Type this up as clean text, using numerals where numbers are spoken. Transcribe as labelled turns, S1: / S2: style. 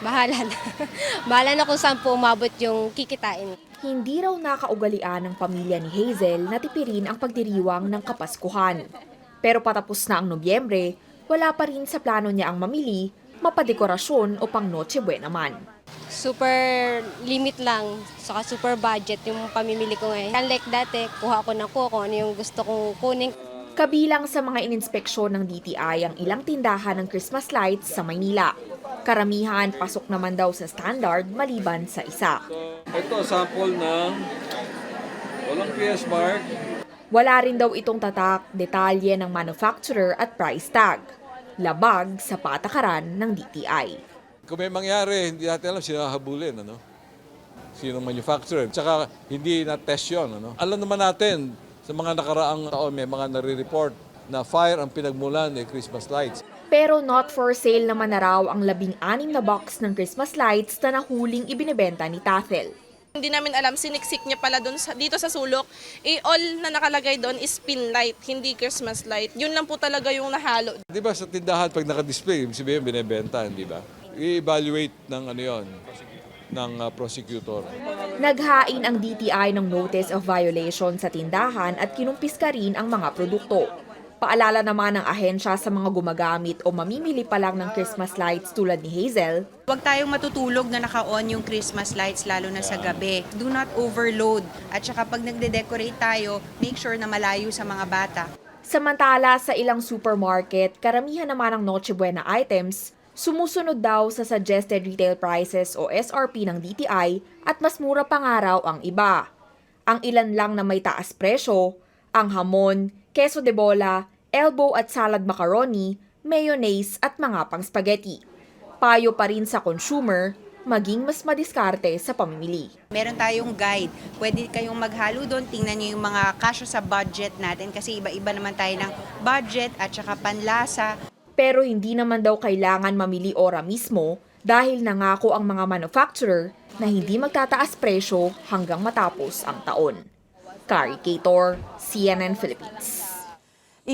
S1: bahala na. Bahala na kung saan po umabot yung kikitain.
S2: Hindi raw nakaugalian ng pamilya ni Hazel na tipirin ang pagdiriwang ng Kapaskuhan. Pero patapos na ang Nobyembre, wala pa rin sa plano niya ang mamili, mapadekorasyon o pang Noche Buena man.
S1: Super limit lang, saka super budget yung pamimili ko ngayon. Unlike dati, kuha ko na kung ano yung gusto kong kunin.
S2: Kabilang sa mga ininspeksyon ng DTI ang ilang tindahan ng Christmas lights sa Maynila. Karamihan pasok naman daw sa standard maliban sa isa.
S3: Ito, sample ng walang PS mark.
S2: Wala rin daw itong tatak, detalye ng manufacturer at price tag. Labag sa patakaran ng DTI.
S3: Kung may mangyari, hindi natin alam sino hahabulin, ano? Sino manufacturer. Tsaka hindi na-test yun, ano? Alam naman natin, sa mga nakaraang taon, may mga nare-report na fire ang pinagmulan ng Christmas lights.
S2: Pero not for sale naman na raw ang 16 na box ng Christmas lights na nahuling ibinebenta ni Tathel.
S4: Hindi namin alam, siniksik niya pala dito sa sulok. All na nakalagay doon is pin light, hindi Christmas light. Yun lang po talaga yung nahalo.
S3: Di ba sa tindahan, pag naka-display, ibig sabihin binibenta, di ba? I-evaluate ng ano yon, ng prosecutor.
S2: Naghain ang DTI ng notice of violation sa tindahan at kinumpiska rin ang mga produkto. Paalala naman ng ahensya sa mga gumagamit o mamimili pa lang ng Christmas lights tulad ni Hazel.
S5: Huwag tayong matutulog na naka-on yung Christmas lights lalo na sa gabi. Do not overload. At saka pag nagde-decorate tayo, make sure na malayo sa mga bata.
S2: Samantala sa ilang supermarket, karamihan naman ng Noche Buena items sumusunod daw sa suggested retail prices o SRP ng DTI at mas mura pa nga raw ang iba. Ang ilan lang na may taas presyo, ang hamon, queso de bola, elbow at salad macaroni, mayonnaise at mga pang spaghetti. Payo pa rin sa consumer, maging mas madiskarte sa pamimili.
S5: Meron tayong guide. Pwede kayong maghalo doon. Tingnan niyo yung mga kasya sa budget natin kasi iba-iba naman tayo ng budget at saka panlasa.
S2: Pero hindi naman daw kailangan mamili ora mismo dahil nangako ang mga manufacturer na hindi magtataas presyo hanggang matapos ang taon. Kari Kator, CNN Philippines.